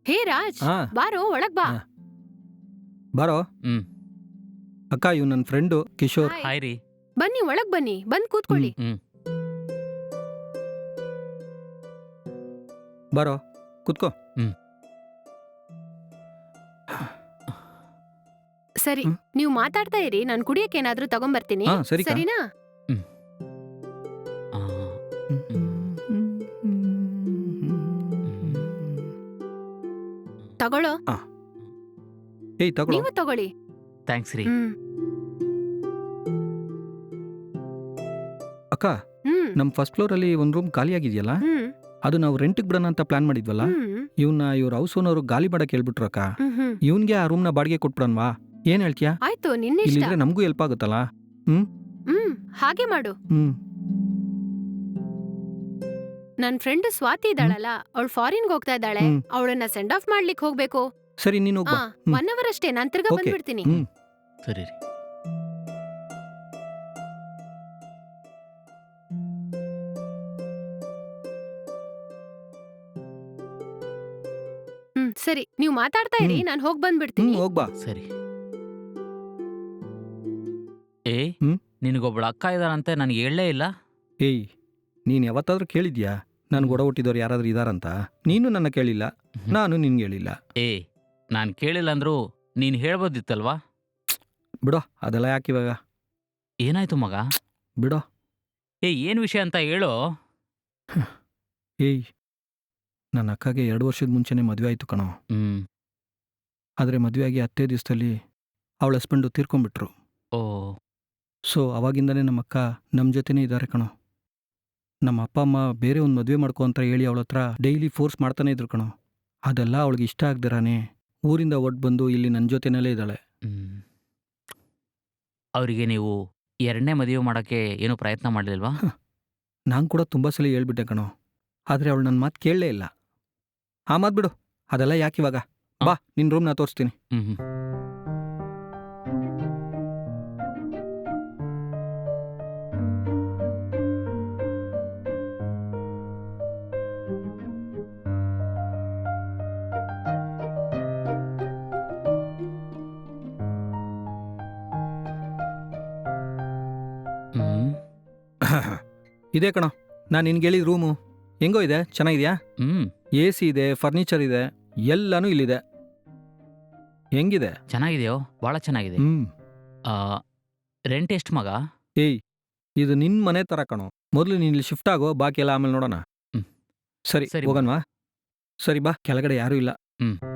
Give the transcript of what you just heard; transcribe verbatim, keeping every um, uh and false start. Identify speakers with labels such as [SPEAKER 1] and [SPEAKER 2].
[SPEAKER 1] ಹೇ ರಾಜ್,
[SPEAKER 2] ಹಾ
[SPEAKER 1] ಬಾರೋ ಒಳಗ್ ಬಾ.
[SPEAKER 2] ಹಾ. ಬಾರೋ.
[SPEAKER 3] ಹ್ಮ್
[SPEAKER 2] ಅಕ್ಕ ಇವ್ ನನ್ನ ಫ್ರೆಂಡು ಕಿಶೋರ್.
[SPEAKER 1] ಹಾಯ್.
[SPEAKER 3] ಹಾಯ್ ರೀ.
[SPEAKER 1] ಬನ್ನಿ ಒಳಗ್ ಬನ್ನಿ, ಬಂದ್ ಕೂತ್ಕೊಳ್ಳಿ.
[SPEAKER 3] ಹ್ಮ್
[SPEAKER 2] ಬಾರೋ ಕುತ್ಕೋ.
[SPEAKER 3] ಹ್ಮ್
[SPEAKER 1] ಸರಿ,
[SPEAKER 2] ಹ್ಮ್.
[SPEAKER 1] ನೀವು ಮಾತಾಡ್ತಾ ಇರಿ, ನಾನ್ ಕುಡಿಯಕ್ಕೆ ಏನಾದ್ರೂ ತಗೊಂಬರ್ತೀನಿ.
[SPEAKER 2] ಹಾ ಸರಿ ಕಾ.
[SPEAKER 1] ಸರಿನಾ?
[SPEAKER 3] ಆ,
[SPEAKER 1] ತಗೊಳ್ಳೋ.
[SPEAKER 2] ಏಯ್ ತಗೊಳ್ಳೋ.
[SPEAKER 1] ನೀವು ತಗೊಳ್ಳಿ.
[SPEAKER 3] ಥ್ಯಾಂಕ್ಸ್ ರೀ.
[SPEAKER 1] ಹ್ಮ್
[SPEAKER 2] ಅಕ್ಕ
[SPEAKER 1] ಹ್ಮ್
[SPEAKER 2] ನಮ್ ಫಸ್ಟ್ ಫ್ಲೋರ್ ಅಲ್ಲಿ ಒಂದ್ ರೂಮ್ ಖಾಲಿ ಆಗಿದೆಯಲ್ಲ,
[SPEAKER 1] ಹ್ಮ್
[SPEAKER 2] ಅದು ನಾವು ರೆಂಟ್ಗೆ ಬಿಡೋಣ ಅಂತ ಪ್ಲಾನ್ ಮಾಡಿದ್ವಲ್ಲ.
[SPEAKER 1] ಹ್ಮ್
[SPEAKER 2] ಇವನ್ನ ಇವ್ರ ಹೌಸ್ ಓನರು ಗಾಲಿ ಮಾಡಕ್ ಹೇಳ್ಬಿಟ್ರು ಅಕ್ಕ.
[SPEAKER 1] ಹ್ಮ್ ಹ್ಮ್
[SPEAKER 2] ಇವನ್ಗೆ ಆ ರೂಮ್ನ ಬಾಡಿಗೆ ಕೊಟ್ಬಿಡನ್ವಾ? ಏನ್ ಹೇಳ್ತೀಯಾ?
[SPEAKER 1] ಆಯ್ತು, ನಿನ್ನಿಷ್ಟ.
[SPEAKER 2] ಇಲ್ಲಿದ್ರೆ ನಮಗೂ ಹೆಲ್ಪ್ ಆಗುತ್ತಲ್ಲ. ಹ್ಮ್
[SPEAKER 1] ಹ್ಮ್ ಹಾಗೆ ಮಾಡು.
[SPEAKER 2] ಹ್ಮ್
[SPEAKER 1] ನನ್ ಫ್ರೆಂಡ್ ಸ್ವಾತಿ ಇದ್ದಾಳಲ್ಲ, ಅವಳು ಫಾರಿನ್ಗೆ ಹೋಗ್ತಾ ಇದ್ದಾಳೆ.
[SPEAKER 2] ಹ್ಮ್.
[SPEAKER 1] ಅವಳನ್ನ ಸೆಂಡ್ ಆಫ್ ಮಾಡ್ಲಿಕ್ಕೆ ಹೋಗ್ಬೇಕು.
[SPEAKER 2] ಸರಿ ನೀನು ಹೋಗ್ಬಾ.
[SPEAKER 1] ಹಾ,
[SPEAKER 2] ಹ್ಮ್.
[SPEAKER 1] ಒನ್ ಅವರ್ ಅಷ್ಟೇ, ನಾನ್ ತಿರ್ಗಾ
[SPEAKER 2] Okay.
[SPEAKER 1] ಬಂದ್ಬಿಡ್ತೀನಿ.
[SPEAKER 2] ಹ್ಮ್
[SPEAKER 3] ಸರಿ ರೀ.
[SPEAKER 1] ಹ್ಮ್ ಸರಿ, ನೀವು ಮಾತಾಡ್ತಾ ಇರಿ,
[SPEAKER 2] ಹ್ಮ್.
[SPEAKER 1] ನಾನ್ ಹೋಗ್
[SPEAKER 2] ಹ್ಮ್
[SPEAKER 1] ಬಂದ್ಬಿಡ್ತೀನಿ.
[SPEAKER 2] ಹೋಗ್ಬಾ.
[SPEAKER 3] ಸರಿ. ಏ
[SPEAKER 2] ಹ್ಮ್?
[SPEAKER 3] ನಿನಗೊಬ್ಳ ಅಕ್ಕ ಇದಾರಂತೆ, ನನಗೆ ಹೇಳಲೇ ಇಲ್ಲ.
[SPEAKER 2] ಏಯ್ ನೀನ್ ಯಾವತ್ತಾದ್ರೂ ಕೇಳಿದ್ಯಾ ನನ್ಗೆ ಒಡ ಹುಟ್ಟಿದವ್ರು ಯಾರಾದ್ರೂ ಇದಾರಂತ? ನೀನು ನನ್ನ ಕೇಳಿಲ್ಲ, ನಾನು ನಿನ್ಗೆ ಹೇಳಿಲ್ಲ.
[SPEAKER 3] ಏ ನಾನು ಕೇಳಿಲ್ಲ ಅಂದ್ರು ನೀನು ಹೇಳ್ಬೋದಿತ್ತಲ್ವಾ?
[SPEAKER 2] ಬಿಡೋ, ಅದೆಲ್ಲ ಯಾಕೆ ಇವಾಗ.
[SPEAKER 3] ಏನಾಯ್ತು ಮಗ?
[SPEAKER 2] ಬಿಡೋ.
[SPEAKER 3] ಏ ಏನು ವಿಷಯ ಅಂತ ಹೇಳೋ.
[SPEAKER 2] ಏಯ್ ನನ್ನ ಅಕ್ಕಗೆ ಎರಡು ವರ್ಷದ ಮುಂಚೆನೇ ಮದುವೆ ಆಯ್ತು ಕಣೋ.
[SPEAKER 3] ಹ್ಮ್
[SPEAKER 2] ಆದರೆ ಮದುವೆ ಆಗಿ ಹತ್ತೇ ದಿವಸದಲ್ಲಿ ಅವಳ ಹಸ್ಬೆಂಡು ತೀರ್ಕೊಂಡ್ಬಿಟ್ರು.
[SPEAKER 3] ಓ
[SPEAKER 2] ಸೊ ಅವಾಗಿಂದನೇ ನಮ್ಮ ಅಕ್ಕ ನಮ್ಮ ಜೊತೆನೇ ಇದ್ದಾರೆ ಕಣೋ. ನಮ್ಮ ಅಪ್ಪ ಅಮ್ಮ ಬೇರೆ ಒಂದು ಮದುವೆ ಮಾಡ್ಕೊ ಅಂತ ಹೇಳಿ ಅವಳ ಹತ್ರ ಡೈಲಿ ಫೋರ್ಸ್ ಮಾಡ್ತಾನೆ ಇದ್ರು ಕಣೋ. ಅದೆಲ್ಲ ಅವಳಿಗೆ ಇಷ್ಟ ಆಗ್ದಿರಾನೆ ಊರಿಂದ ಒಟ್ಟು ಬಂದು ಇಲ್ಲಿ ನನ್ನ ಜೊತೆನಲ್ಲೇ ಇದ್ದಾಳೆ.
[SPEAKER 3] ಹ್ಮ್ ಅವರಿಗೆ ನೀವು ಎರಡನೇ ಮದುವೆ ಮಾಡೋಕ್ಕೆ ಏನೂ ಪ್ರಯತ್ನ ಮಾಡಲಿಲ್ವಾ?
[SPEAKER 2] ನಾನು ಕೂಡ ತುಂಬ ಸಲ ಹೇಳ್ಬಿಟ್ಟೆ ಕಣೋ, ಆದರೆ ಅವಳು ನನ್ನ ಮಾತು ಕೇಳಲೇ ಇಲ್ಲ. ಆ ಮಾತು ಬಿಡು, ಅದೆಲ್ಲ ಯಾಕೆ ಇವಾಗ. ಬಾ ನಿನ್ನ ರೂಮ್ನ ತೋರಿಸ್ತೀನಿ.
[SPEAKER 3] ಹ್ಮ್ ಹ್ಮ್ ಹ್ಮ್
[SPEAKER 2] ಇದೇ ಕಣೋ ನಾನು ನಿನ್ಗೆ ಹೇಳಿದ ರೂಮು. ಹೆಂಗೋ ಇದೆ, ಚೆನ್ನಾಗಿದೆಯಾ?
[SPEAKER 3] ಹ್ಮ್
[SPEAKER 2] ಎ ಸಿ ಇದೆ, ಫರ್ನಿಚರ್ ಇದೆ, ಎಲ್ಲನೂ ಇಲ್ಲಿದೆ. ಹೆಂಗಿದೆ?
[SPEAKER 3] ಚೆನ್ನಾಗಿದೆಯೋ? ಭಾಳ ಚೆನ್ನಾಗಿದೆ.
[SPEAKER 2] ಹ್ಮ್
[SPEAKER 3] ರೆಂಟ್ ಎಷ್ಟು ಮಗ?
[SPEAKER 2] ಏಯ್ ಇದು ನಿನ್ನ ಮನೆ ಥರ ಕಣೋ. ಮೊದಲು ನೀನು ಇಲ್ಲಿ ಶಿಫ್ಟ್ ಆಗೋ, ಬಾಕಿ ಎಲ್ಲ ಆಮೇಲೆ ನೋಡೋಣ.
[SPEAKER 3] ಹ್ಮ್.
[SPEAKER 2] ಸರಿ
[SPEAKER 3] ಸರಿ,
[SPEAKER 2] ಹೋಗನ್ವಾ? ಸರಿ ಬಾ, ಕೆಳಗಡೆ ಯಾರೂ ಇಲ್ಲ.
[SPEAKER 3] ಹ್ಮ್